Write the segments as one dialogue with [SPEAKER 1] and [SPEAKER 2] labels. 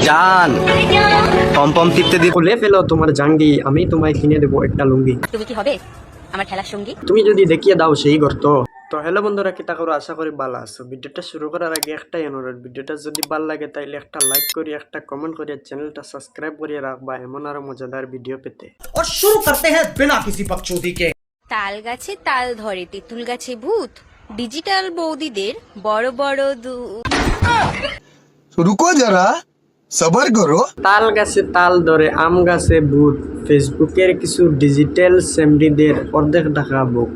[SPEAKER 1] জান পম পম টিপতে দিয়ে
[SPEAKER 2] খুলে ফেলো তোমার জাঙ্গি, আমি তোমায় কিনে দেবো একটা লুঙ্গি।
[SPEAKER 3] তুমি কি হবে আমার খেলার সঙ্গী?
[SPEAKER 2] তুমি যদি দেখিয়ে দাও সেই গর্ত। তো হ্যালো বন্ধুরা, কিতা করো, আশা করি ভালো আছো। ভিডিওটা শুরু করার আগে একটাই অনুরোধ, ভিডিওটা যদি ভালো লাগে তাইলে একটা লাইক করি, একটা কমেন্ট করি, চ্যানেলটা সাবস্ক্রাইব করিয়ে রাখবা এমন আরো মজাদার ভিডিও পেতে।
[SPEAKER 4] और शुरू करते हैं बिना किसी बकचोदी के।
[SPEAKER 3] তাল গাছে তাল ধরে, তেঁতুল গাছে ভূত, ডিজিটাল বৌদিদের বড় বড়
[SPEAKER 5] रुको जरा सबर करो।
[SPEAKER 2] তাল গাছে তাল ধরে, আম গাছে ভূত, ফেসবুকের কিছু ডিজিটাল সেমরিদের অর্ধেক ঢাকা বুক।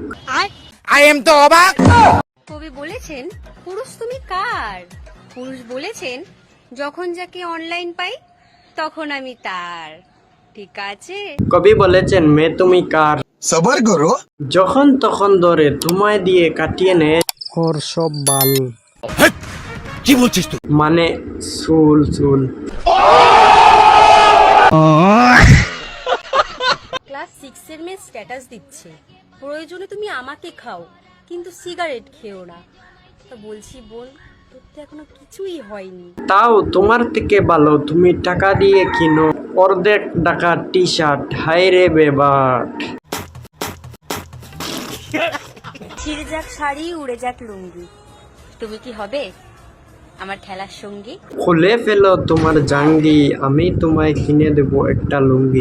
[SPEAKER 3] কবি বলেছেন পুরুষ তুমি কার, পুরুষ বলেছেন যখন যাকে অনলাইন পাই তখন আমি তার। ঠিক আছে,
[SPEAKER 2] কবি বলেছেন মেয়ে তুমি কার,
[SPEAKER 5] सबर करो।
[SPEAKER 2] যখন তখন ধরে তোমায় দিয়ে কাটিয়ে নেয় ওর সব বাল।
[SPEAKER 4] কি বলছিস তুই?
[SPEAKER 2] মানে চুল চুল।
[SPEAKER 3] ক্লাস 6 এর মেয়ে স্ট্যাটাস দিচ্ছে প্রয়োজনে তুমি আমাকে খাও কিন্তু সিগারেট খেও না। তো বলছি বোন, তোর তো এখনো কিছুই হয়নি।
[SPEAKER 2] তাও তোমার থেকে ভালো তুমি টাকা দিয়ে কিনো অর্ধেক টাকা টি শার্ট। হাই রে বেবাট।
[SPEAKER 3] ছিঁড়ে যাক শাড়ি, উড়ে যাক লুঙ্গি, তুমি কি হবে আমার খেলার সঙ্গী?
[SPEAKER 2] খুলে ফেলো তোমার জাঙ্গি, আমি তোমায় কিনে দেবো একটা লুঙ্গি।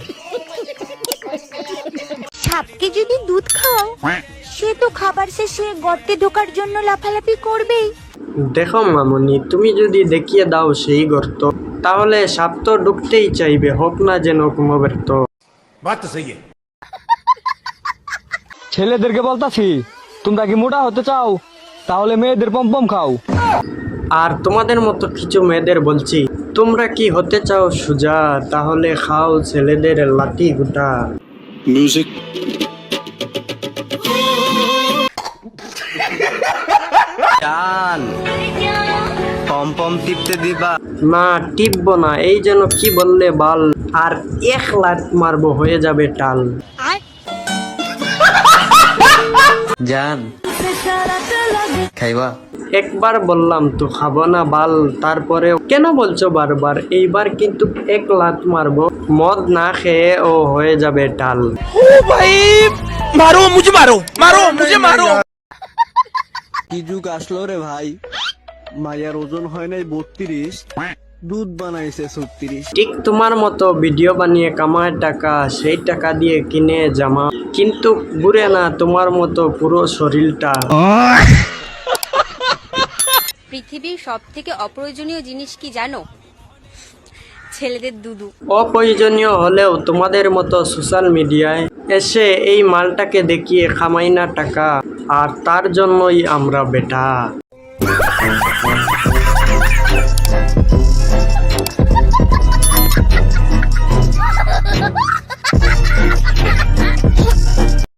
[SPEAKER 6] সাপকে যদি দুধ খাও সে তো খাবার শেষে গর্তে ঢোকার জন্য লাফালাফি করবেই।
[SPEAKER 2] দেখো মামনি, তুমি যদি দেখিয়ে দাও সেই গর্ত তাহলে সাপ তো ঢুকতেই চাইবে, হোক না যেন কোনো ব্যর্থ।
[SPEAKER 4] बात तो सही है।
[SPEAKER 1] ছেলেদেরকে বলতাছি তোমরা কি মোটা হতে চাও তাহলে মেয়েদের পম পম খাও।
[SPEAKER 2] আর তোমাদের মতো কিছু মেয়েদের বলছি, তোমরা কি হতে চাও সুজা, তাহলে খাও ছেলেদের লাঠি গুটা।
[SPEAKER 5] म्यूजिक
[SPEAKER 1] জান পম পম টিপতে দিবা।
[SPEAKER 2] না টিপবো না, এই যেন কি বললে বাল, আর এক লাত মারবো হয়ে যাবে টাল।
[SPEAKER 1] জান খাইবা।
[SPEAKER 2] একবার বললাম তো খাবো না বাল, তারপরে কেন বলছো বারবার? এইবার কিন্তু এক লাত মারবো, মদ না খেয়ে ও হয়ে যাবে টাল।
[SPEAKER 4] मारो मुझे, मारो मारो मुझे, मारो।
[SPEAKER 1] কি যুগ আসলো রে ভাই, মায়ের ওজন হয় নাই 32, দুধ বানাইছে 36।
[SPEAKER 2] ঠিক তোমার মতো ভিডিও বানিয়ে কামায় টাকা, সেই টাকা দিয়ে কিনে জামা, কিন্তু ঘুরে না তোমার মতো পুরো শরীরটা।
[SPEAKER 3] পৃথিবীর সব থেকে অপ্রয়োজনীয় জিনিস কি জানো? ছেলেদের দুদু।
[SPEAKER 2] অপ্রয়োজনীয় হলেও তোমাদের মতো সোশ্যাল মিডিয়ায় এসে এই মালটাকে দেখিয়ে খামাই না টাকা, আর তার জন্যই আমরা বেটা।